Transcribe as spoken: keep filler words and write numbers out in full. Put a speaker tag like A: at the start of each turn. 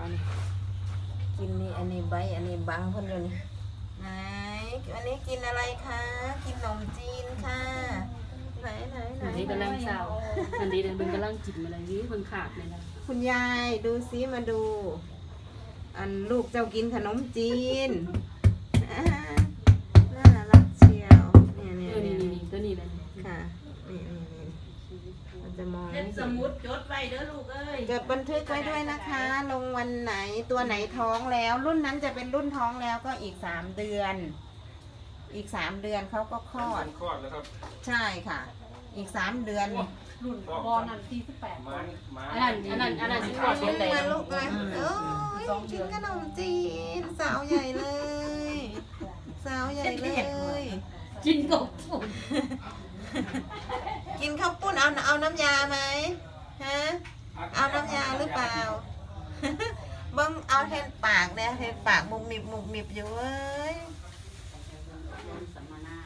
A: อันนี้กินนี่อันนี้ใบอันนี้บังคนอยู่นี่ไหนอันนี้กินอะไรคะกินขนมจีนค่ะไหนไหนไหน
B: อันนี้กำลังเศร้าอันนี้เดินกำลังกินอะไรนี่มันขาดเลยนะ
A: คุณยายดูซิมาดู อันลูกเจ้ากินขนมจีนอ่าน่ารักเชียวเนี่ย
B: เอ
A: เนี่ย
B: อนี่
A: เนี่ย
B: นี่ตัวนี้เลย
A: ค่ะนี่นี่นี่เราจะมอง
C: เล่นสมุดจดไว้เด้อลูกเอ้ย
A: จดบันทึกไว้ด้วยนะคะ ลงวันไหนตัวไหนท้องแล้ว รุ่นนั้นจะเป็นรุ่นท้องแล้วก็อีกสามเดือน อีกสามเดือนเขาก็คลอด
D: คลอดแล้วครับ
A: ใช่ค่ะ อีกสามเดือน
B: รุ่นบอลนั่นที่สิบแปด
D: มันมา
B: อันนั้นอันนั้นอันนั้นสิบกว่าเดือนเลย
A: มาลูกเลยโอ้ยกินขนมจีนสาวใหญ่เลย สาวใหญ่เลย
B: กินกบฝุ่น
A: กินข้าวปุ้นเอาเอาน้ำยาไหมฮะเอาน้ำยาหรือเปล่า เบิ้งเอาเทนปากเนี่ยเทนปากมุมมิบมุมมิบอยู่เว้ย
B: สัมมนา